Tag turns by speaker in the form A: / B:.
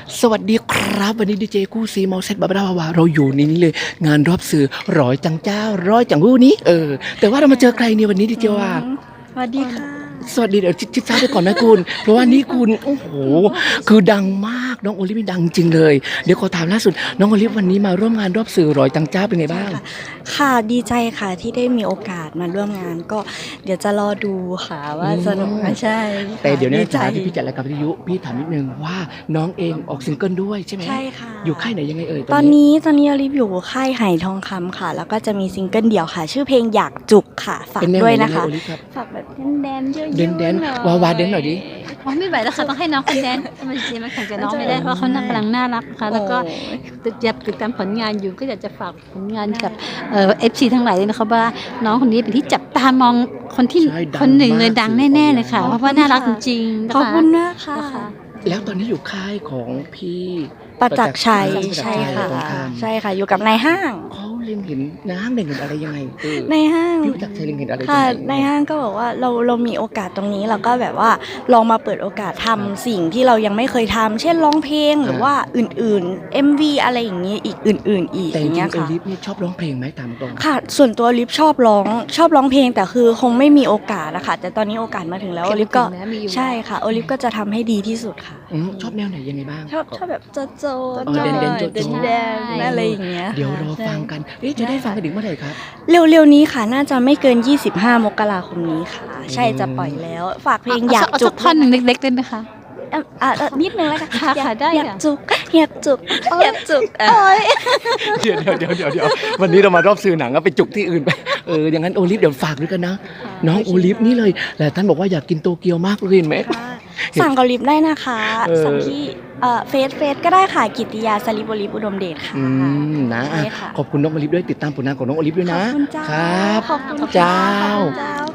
A: สวัสดีครับวันนี้ดีเจกู้ซีมอลเซ็ตบาบาบาเราอยู่ในนี้เลยงานรอบสื่อร้อยจังเจ้าร้อยจังหู้นี้แต่ว่าเรามาเจอใครเนี่ยวันนี้ดีเจว่า
B: สวัสดีค่ะ
A: สวัสดีเดี๋ยวชิดซ้ายไปก่อนนะคุณเพราะว่านี่คุณโอ้โหคือดังมากน้องโอลิฟนี่ดังจริงเลยเดี๋ยวขอถามล่าสุดน้องโอลิฟวันนี้มาร่วมงานรอบสื่อร้อยจังเจ้าเป็นไงบ้าง
B: ค่ะดีใจค่ะที่ได้มีโอกาสมาร่วมงานก็เดี๋ยวจะรอดูค่ะว่าสนุกไหมใช่ค่ะ
A: แต่เดี๋ยวนี้
B: ดีใจ
A: ฐานะที่พี่จัดรายการวิทยุพี่ถามนิดนึงว่าน้องเองออกซิงเกิลด้วยใช่ไหม
B: ใช่ค่ะ
A: อยู่ค่ายไหนยังไงเอ่ย
B: ตอนนี้อลิฟอยู่ค่ายไหทองคำค่ะ แล้วก็จะมีซิงเกิลเดี่ยวค่ะ ชื่อเพลงอยากจุกค่ะฝาก
A: เป็นแนว
B: ด้วย
A: ไหน
B: นะคะ
A: โอลิฟครับ
B: ฝากแบบแดนๆเยอะๆ
A: แดน
B: หอย
A: วาวาเดนหน่อยดิ
C: อ๋อไม่ไหวแล้วค่ะต้องให้น้องคนแดนมันจะมาแข่งกับน้องไม่ได้เพราะเขากำลังน่ารักค่ะแล้วก็ติดตามผลงานอยู่ก็อยากจะฝากผลงานกับFC ทั้งหลายเลยนะคะว่าน้องคนนี้เป็นที่จับตามองคนที่
A: ใช่ดัง
C: คนหนึ่งเลย
A: มาก
C: ดังแน่ๆเลยค่ะเพราะว่าน่ารักจริงๆนะ
B: ขอบ
C: คะ
B: คุณมากค่ะ
C: นะคะ
A: แล้วตอนนี้อยู่ค่ายของพี่
B: ประจักษ์ชัย
A: ประจักษ์ชั
B: ใช่
A: ย
B: ค่ะ
A: ตรงข้าม
B: ใช่ค่ะ อยู่กับนายห้าง
A: เขาเล็งเห็นนางเล็งเห็นอะไรยังไง
B: นายห้าง
A: พี่ประจักษ์ชัยเล็งเห็นอะไร
B: ค่ะ
A: ยังไง
B: ในห้างก็บอกว่าเรามีโอกาสตรงนี้เราก็แบบว่าลองมาเปิดโอกาสทำสิ่งที่เรายังไม่เคยทำเช่นร้องเพลงหรือว่าอื่นๆ MV อะไรอย่างนี้อีกอื่นๆอีก
A: แต่
B: อ
A: จริ
B: ย่าง งเงี้ย
A: ๆโอ
B: ค่ะ
A: ลิฟนี่ชอบร้องเพลงไหมตามตรง
B: ค่ะ ส่วนตัวลิฟชอบร้องเพลงแต่คือคงไม่มีโอกาสนะคะแต่ตอนนี้โอกาสมาถึงแล้วโอลิฟก็
C: ถึงแล้วมีอยู่
B: ใช่ค่ะโอลิฟก็จะทำให้ดีที่สุดค่ะ
A: ชอบแนวไหนยังไงบ้าง
B: ชอบแบบโจโจ
A: เด่นๆโจ๊ะ
B: เดนอะไรอย่างเงี้ย
A: เดี๋ยว
B: ค่ะ
A: รอฟังกัน
B: ใช่
A: จะได้ฟังกันถึงเมื่อไหร่ครับ
B: เร็วๆนี้ค่ะน่าจะไม่เกิน 25 มกราคมนี้ค่ะ ใช่จะปล่อยแล้ว ฝากเพลงอยาก
C: เสั
B: จุ
C: ก
B: ก
C: ท่อนหนึ่งเล็กๆได้ไหมคะ
B: นิดนึงแล้วกัน
C: ค่ะค่ะได้
B: อยาก
C: ค่ะ
B: จุกอยากจุกอยากจุก
A: เดี๋ยววันนี้เรามารอบสื่อหนังก็ไปจุกที่อื่นไปอย่างนั้นโอลิฟเดี๋ยวฝากด้วยกันนะน้องโอลิฟนี่เลยแต่ท่านบอกว่าอยากกินโตเกียวมากเลยเห็นไหม
B: สั่งเกาลิฟได้นะคะ
A: เออ
B: สั่งที่เฟซก็ได้ค่ะกิตติยาสลิปโอลิฟอุดมเดชค่ะ
A: นะ
B: ใช่ค่ะ
A: ขอบคุณน้องโอลิฟด้วยติดตามผลงานของน้องโอลิฟด้วยนะ
B: ขอบคุณเจ้า
A: ครับ
B: ขอบคุณ
A: เจ้า
B: เจ้า